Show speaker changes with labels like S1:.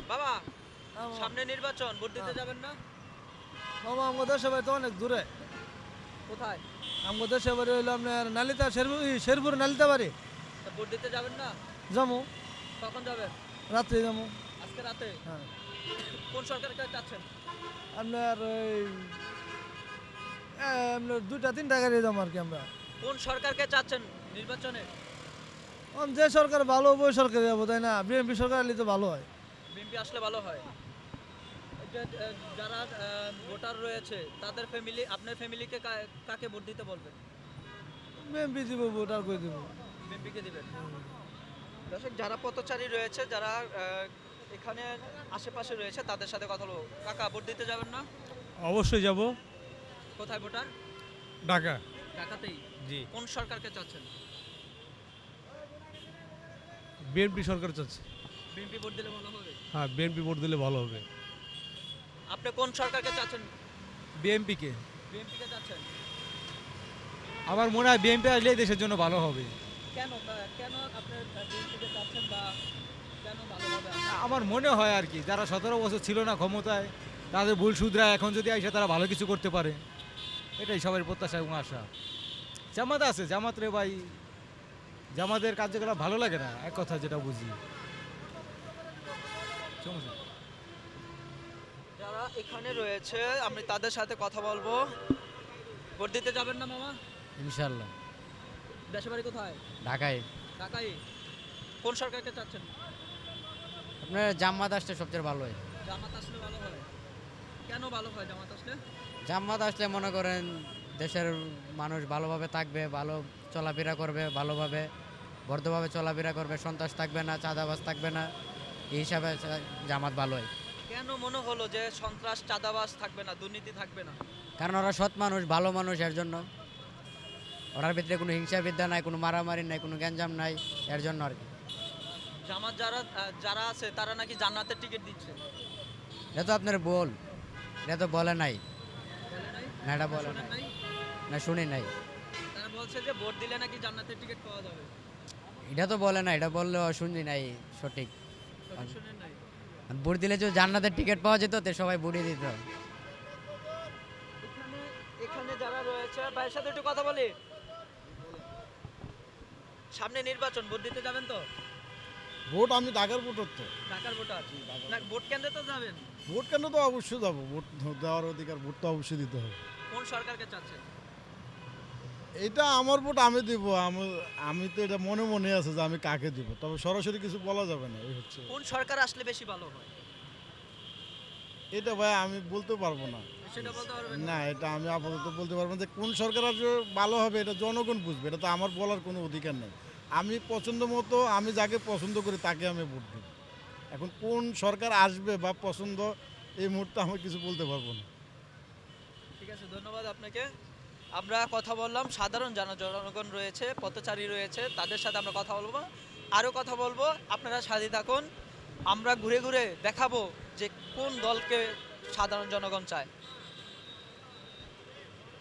S1: বাবা,
S2: আমার-
S1: সামনে নির্বাচন, ভোট দিতে
S2: হ্যাঁ।
S1: যাবেন না?
S2: মামা আমাদের দেশে বাড়ি তো অনেক দূরে।
S1: কোথায়?
S2: আমাদের দেশে বাড়ি হইলো আপনার নালিতা শেরপুর নালিতা বাড়ি।
S1: তা ভোট দিতে যাবেন না?
S2: যাবো,
S1: কখন যাবেন?
S2: রাত্রে যাবো।
S1: আজকে রাতে?
S2: হ্যাঁ,
S1: কোন সরকারকে চাচ্ছেন?
S2: আপনার ওই আপনার 2টা 3টা গাড়ি যাবো আর কি আমরা।
S1: কোন সরকারকে চাচ্ছেন নির্বাচনে?
S2: যে সরকার ভালো হবে ওই সরকার যাবো, তাই না? বিএনপি সরকার এলে তো ভালো হয়।
S1: বিএনপি আসলে ভালো হয়। এই যে, যারা ভোটার রয়েছে তাদের ফ্যামিলি, আপনার ফ্যামিলিকে কাকে ভোট দিতে বলবেন?
S2: বিএনপি দিব, ভোট আর করে দিব।
S1: বিএনপিকে দিবেন। দর্শক, যারা পথচারী রয়েছে, যারা এখানে আশেপাশে রয়েছে, তাদের সাথে কথা বলবো। কাকা, ভোট দিতে যাবেন না?
S3: অবশ্যই যাব।
S1: কোথায় ভোটার?
S3: ঢাকা।
S1: ঢাকাতেই?
S3: জি।
S1: কোন সরকারকে চাচ্ছেন?
S3: বিএনপি সরকার চাচ্ছে।
S1: বিএনপি ভোট দিলে ভালো হবে।
S3: হ্যাঁ, বিএনপি ভোট দিলে ভালো হবে।
S1: আপনি কোন সরকারকে চাচ্ছেন?
S3: বিএনপিকে।
S1: বিএনপিকে চাচ্ছেন?
S3: আমার মনে হয় বিএনপি আসলেই দেশের জন্য ভালো হবে।
S1: কেন কেন আপনি বিএনপিকে চাচ্ছেন, বা কেন ভালো হবে?
S3: আমার মনে হয় আর কি, যারা 17 বছর ছিল না ক্ষমতায়, তাদের ভুল শুধরায় এখন যদি আইসা তারা ভালো কিছু করতে পারে, এটাই সবার প্রত্যাশা এবং আশা। জামাত আছে, জামাত রে ভাই, জামাতের কার্যকলাপ ভালো লাগে না, এক কথা যেটা বুঝি। সমস্যা।
S1: যারা এখানে রয়েছে আমি তাদের সাথে কথা বলবো। ভোট দিতে যাবেন না মামা?
S4: ইনশাল্লাহ।
S1: দেশের বাড়ি কোথায়?
S4: ঢাকায়
S1: ঢাকায়? কোন সরকারকে চাচ্ছেন?
S4: আপনার জামাত আসলে সবচেয়ে ভালো হয়।
S1: জামাত আসলে ভালো হয়। কেন ভালো হয় জামাত আসলে?
S4: জামাত আসলে মনে করেন দেশের মানুষ ভালোভাবে থাকবে, ভালো চলাফেরা করবে, ভালোভাবে বর্ধভাবে চলাফেরা করবে, সন্ত্রাস থাকবে না, চাঁদাবাজ থাকবে না, এই হিসাবে জামাত ভালো হয়।
S1: কেন মনে হলো যে সন্ত্রাস, চাঁদাবাজ থাকবে না, দুর্নীতি থাকবে না?
S4: কারণ ওরা সৎ মানুষ, ভালো মানুষ, এর জন্য। ওরার ভিতরে কোনো হিংসা বিদ্যা নাই, কোনো মারামারি নাই, কোনো গ্যাঞ্জাম নাই, এর জন্য আর কি।
S1: জামাত যারা আছে তারা নাকি জান্নাতের টিকিট দিচ্ছে।
S4: এটা তো আপনার বল, এটা তো বলে নাই।
S1: বলে নাই?
S4: না, এটা বলে
S1: শোনেন
S4: নাই,
S1: নাই?
S4: না শুনি নাই।
S1: তারা বলছে যে ভোট দিলে নাকি জান্নাতের টিকিট পাওয়া যাবে।
S4: এটা তো বলে না, এটা বললেও শুনি নাই সঠিক।
S1: সঠিক শোনেন নাই?
S4: ভোট দিলে যদি জান্নাতের টিকিট পাওয়া যেত তো সবাই ভোটই দিত।
S1: এখানে এখানে যারা রয়েছে ভাইয়ের সাথে একটু কথা বলি। সামনে নির্বাচন, ভোট দিতে যাবেন তো?
S5: ভোট আমি ঢাকার ভোটার তো।
S1: ঢাকার ভোটার না, ভোট কেন্দ্রে তো যাবেন।
S5: ভোট কেন তো অবশ্যই যাবো, ভোট দেওয়ার অধিকার, ভোট তো অবশ্যই দিতে হবে।
S1: কোন সরকারকে চাচ্ছেন?
S5: এটা আমার ভোট আমি দিব, আমি তো এটা মনে মনে আছে যে আমি কাকে দিব, তবে সরাসরি কিছু বলা যাবে না। এই হচ্ছে
S1: কোন সরকার আসলে বেশি ভালো হয়?
S5: এটা ভাই আমি বলতে পারবো না।
S1: সেটা বলতে পারবেন না?
S5: না, এটা আমি আপাতত বলতে পারবো না যে কোন সরকার আসলে ভালো হবে, এটা জনগণ বুঝবে, এটা তো আমার বলার কোনো অধিকার নেই। আমি পছন্দ মতো, আমি যাকে পছন্দ করি তাকে আমি ভোট দিব। এখন কোন সরকার আসবে বা পছন্দ, এই মুহূর্তে আমি কিছু বলতে পারবো না।
S1: ঠিক আছে, ধন্যবাদ আপনাকে। আমরা কথা বললাম, সাধারণ জনগণ রয়েছে, পথচারী রয়েছে, তাদের সাথে আমরা কথা বলবো, আরও কথা বলবো। আপনারা সাথে থাকুন, আমরা ঘুরে ঘুরে দেখাবো যে কোন দলকে সাধারণ জনগণ চায়।